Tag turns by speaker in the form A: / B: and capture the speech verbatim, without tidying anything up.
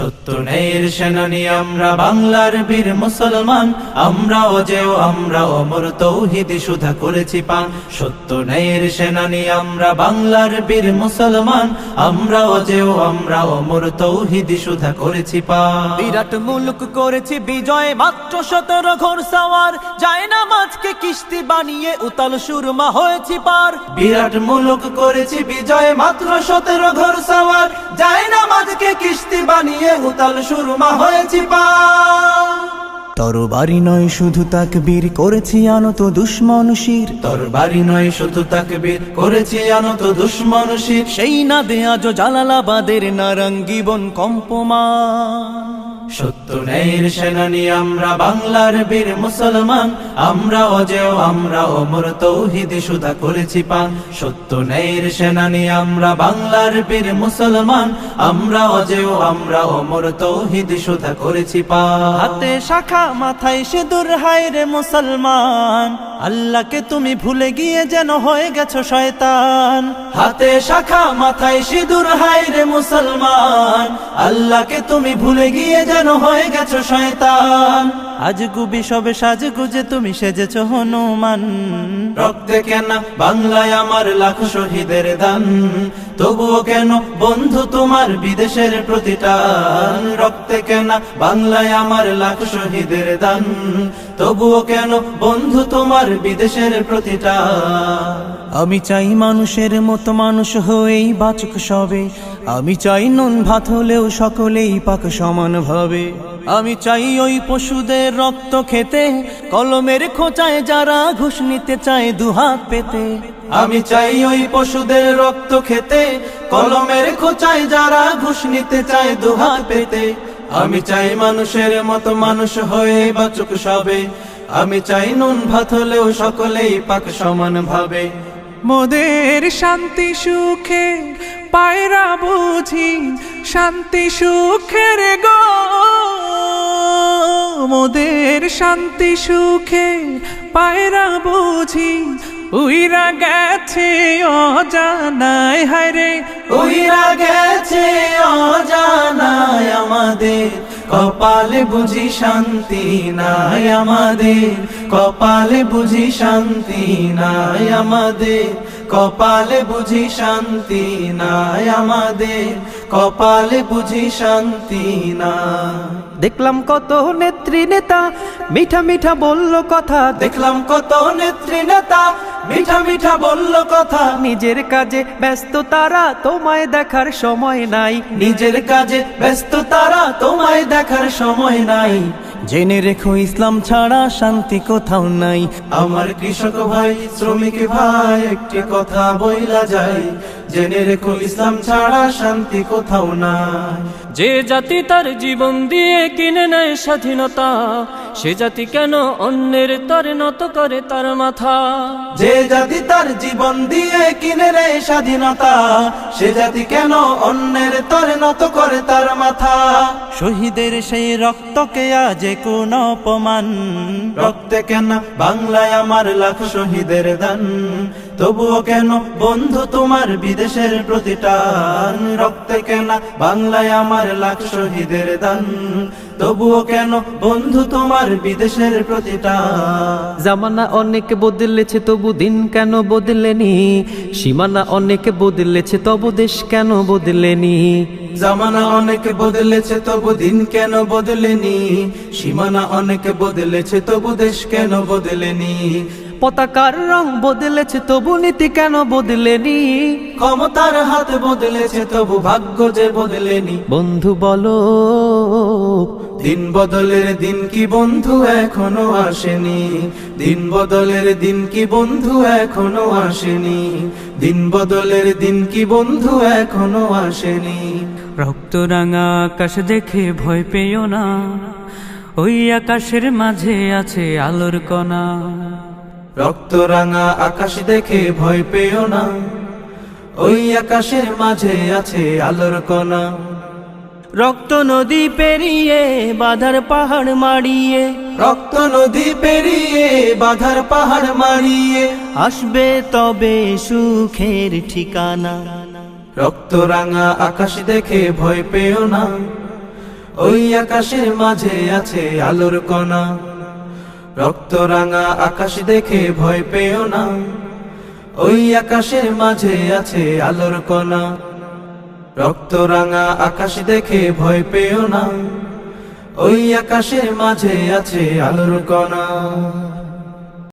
A: সত্য ন্যায়ের সেনানী আমরা বাংলার বীর মুসলমান, আমরা অজেয় আমরা অমর তৌহিদি সুধা করেছি পান। সত্য ন্যায়ের সেনানী আমরা বাংলার বীর মুসলমান, আমরা অজেয় আমরা অমর তৌহিদি সুধা করেছি পান।
B: বিরাট মুলুক করেছি বিজয়, মাত্র সতেরো ঘোর সাওয়ার, যায় না মাঝকে কিস্তি বানিয়ে উতাল সুরমা হয়েছি পার।
A: বিরাট মুলুক করেছি বিজয়, মাত্র সতেরো ঘোর সাওয়ার, যায় না মাঝকে কিস্তি বানিয়ে উতাল সুরমা হয়েছি পার।
B: তরবারি নয় শুধু তাকবীর, করেছি আনত দুশ্মন শির।
A: তরবারি নয় শুধু তাকবীর, করেছি আনত দুশ্মন শির।
B: সেই না দে আজ জালালাবাদের নারঙ্গী বন কম্পমান।
A: সত্য ন্যায়ের সেনানী আমরা বাংলার বীর মুসলমান, আমরা অজেয় আমরা অমর তৌহিদি সুধা করেছি পান। সত্য ন্যায়ের সেনানী আমরা বাংলার বীর মুসলমান, আমরা অজেয় আমরা অমর তৌহিদি সুধা করেছি পান।
B: হাতে শাখা মাথায় সিঁদুর, হায় রে মুসলমান, আল্লাহকে তুমি ভুলে গিয়ে যেন হয়ে গেছো শয়তান।
A: হাতে শাখা মাথায় সিঁদুর, হায় রে মুসলমান, আল্লাহকে তুমি ভুলে গিয়ে যেন হয়ে গেছো শয়তান।
B: আজ গুবি সবে সাজ গুজে তুমি সেজেছো হনুমান।
A: রক্তে কেন বাংলায় আমার লাখ শহীদের দান, তবুও কেন বন্ধু তোমার বিদেশের প্রতিটান। রক্তে কেন বাংলায় আমার লাখ শহীদের দান, তবুও কেন বন্ধু তোমার বিদেশের প্রতিটান।
B: আমি চাই মানুষের মতো মানুষ হয়েই বাঁচুক সবে, আমি চাই নুন ভাত হলেও সকলেই পাক সমান ভাবে। আমি চাই ওই পশুদের রক্ত খেতে, কলমের খোঁচায় যারা ঘুষ নিতে চায় দুহাত পেতে।
A: আমি চাই ওই পশুদের রক্ত খেতে, কলমের খোঁচায় যারা ঘুষ নিতে চায় দুহাত পেতে। আমি চাই মানুষের মতো মানুষ হয়ে বাঁচুক সবে, আমি চাই নুন ভাত হলেও সকলেই পাক সমান ভাবে।
C: মোদের শান্তি সুখে পায়রা বুঝি, শান্তি সুখের গো মোদের শান্তি সুখে পায়রা বুঝি, উইরা গেছে অজানায়, হায়রে
A: উইরা গেছে অজানায় আমাদের, কপালে বুঝি শান্তি নাই আমাদের, কপালে বুঝি শান্তি নাই আমাদের, কপালে বুঝি শান্তি নাই আমাদের, কপালে বুঝি শান্তি না।
B: দেখলাম কত নেত্রী নেতা মিঠা মিঠা বলল কথা,
A: দেখলাম কত নেত্রী নেতা মিঠা মিঠা বলল কথা।
B: নিজের কাজে ব্যস্ত তারা, তোমায় দেখার সময় নাই।
A: নিজের কাজে ব্যস্ত তারা, তোমায় দেখার সময় নাই।
B: জেনে রেখো ইসলাম ছাড়া শান্তি কোথাও নাই।
A: আমার কৃষক ভাই শ্রমিক ভাই একটি কথা বইলা যায়, জেনে রেখো ইসলাম ছাড়া শান্তি কোথাও নাই।
D: যে জাতি তার জীবন দিয়ে কিনে নেয় স্বাধীনতা, সে জাতি কেন অন্যের তরে নত করে তার মাথা।
A: যে জাতি তার জীবন দিয়ে কিনে নেয় স্বাধীনতা, সে জাতি কেন অন্যের তরে নত করে তার মাথা।
B: শহীদের সেই রক্তকে আজ কোন অপমান,
A: রক্তে কেন বাংলায় আমার লাখ শহীদের দান, তবুও কেন বন্ধু তোমার বিদেশের প্রতিটান। রক্তে কেন বাংলায় আমার লাখ শহীদের দান, তবুও কেন বন্ধু তোমার বিদেশের প্রতিটান।
E: জামানা অনেক বদলেছে তবু দিন কেন বদলেনি, সীমানা অনেক বদলেছে তবু দেশ কেন বদলেনি।
A: জামানা অনেক বদলেছে তবু দিন কেন বদলেনি, সীমানা অনেক বদলেছে তবু দেশ কেন বদলেনি।
E: পতাকার রং বদলেছে তবু নীতি কেন বদলেনি,
A: ক্ষমতার হাত বদলেছে তবু ভাগ্য যে বদলেনি।
E: বন্ধু বলো
A: দিন বদলের দিন কি বন্ধু এখনো আসেনি, দিন বদলের দিন কি বন্ধু এখনো আসেনি, দিন বদলের দিন কি বন্ধু এখনো আসেনি।
C: রক্ত রাঙা আকাশ দেখে ভয় পেও না, ওই আকাশের মাঝে আছে আলোর কণা।
A: রক্ত রাঙা আকাশ দেখে ভয় পেও না, ওই আকাশের মাঝে আছে আলোর কণা।
B: রক্ত নদী পেরিয়ে বাধার পাহাড় মারিয়ে,
A: রক্ত নদী পেরিয়ে বাধার পাহাড় মারিয়ে,
B: আসবে তবে সুখের ঠিকানা।
A: রক্ত রাঙা আকাশ দেখে ভয় পেও না, ওই আকাশের মাঝে আছে আলোর কণা। রক্ত রাঙা আকাশ দেখে ভয় পেও না, ওই আকাশের মাঝে আছে আলোর কণা। রক্ত রাঙা আকাশ দেখে ভয় পেও না, ওই আকাশের মাঝে আছে আলোর কণা।